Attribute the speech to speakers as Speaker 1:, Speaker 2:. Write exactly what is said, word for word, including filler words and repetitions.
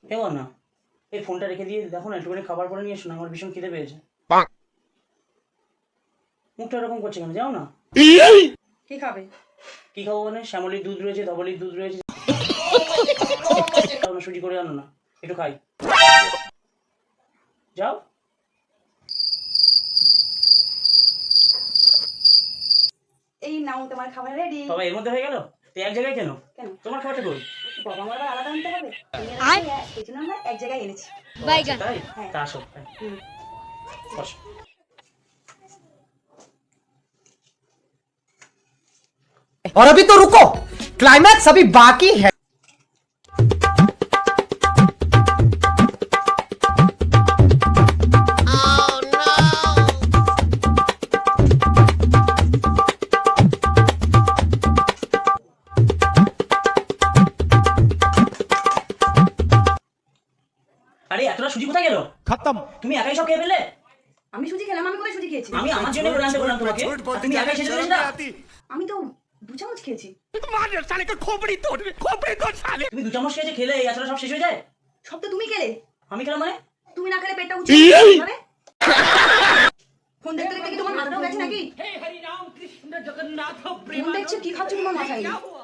Speaker 1: কেউ না, এই ফোনটা রেখে দিয়ে দেখো না, একটুখানি খাবার করে নিয়ে এসো না, আমার ভীষণ খিদে পেয়েছে। মুখটা এরকম করছে কেন? যাও না।
Speaker 2: কি খাবে?
Speaker 1: কি খাবো মানে? শ্যামলির দুধ রয়েছে, ধবলির দুধ রয়েছে, সুজি করে আনো না, একটু খাই। যাও।
Speaker 2: এই নাও তোমার খাবার রেডি।
Speaker 1: বাবা এর মধ্যে হয়ে গেল? তো এক জায়গায় কেন?
Speaker 2: কেন?
Speaker 1: তোমার খাবারটা কই?
Speaker 2: বাবা আমার আবার আলাদা আনতে হবে, এই জন্য আমরা এক জায়গায় এনেছি।
Speaker 1: আচ্ছা, তাই?
Speaker 2: হ্যাঁ।
Speaker 1: তা আসো।
Speaker 2: হুম।
Speaker 1: বসো।
Speaker 3: और अभी तो रुको, क्लाइमैक्स अभी बाकी है।
Speaker 1: আরে এতটা সুজি কোথায় গেল?
Speaker 3: खत्म।
Speaker 1: তুমি একাই সব খেয়ে ফেললে?
Speaker 2: আমি সুজি খেলাম? আমি কোথায় সুজি খেয়েছি?
Speaker 1: আমি আমার জন্য করে আনতে বললাম তোমাকে, আর তুমি একাই শেষ করে সেটা?
Speaker 2: আমি তো দু চামচ খেয়েছি।
Speaker 1: তুমি দু চামচ খেয়েছে, খেলে এই এতটা সব শেষ হয়ে যায়?
Speaker 2: সব তো তুমি খেলে।
Speaker 1: আমি খেলাম মানে?
Speaker 2: তুমি না খেলে পেটটা উঁচু হবে। ফোন দেখতে দেখতে কি তোমার মাথাটাও গেছে নাকি? ফোন দেখছো, কি খাচ্ছ তোমার মাথায়?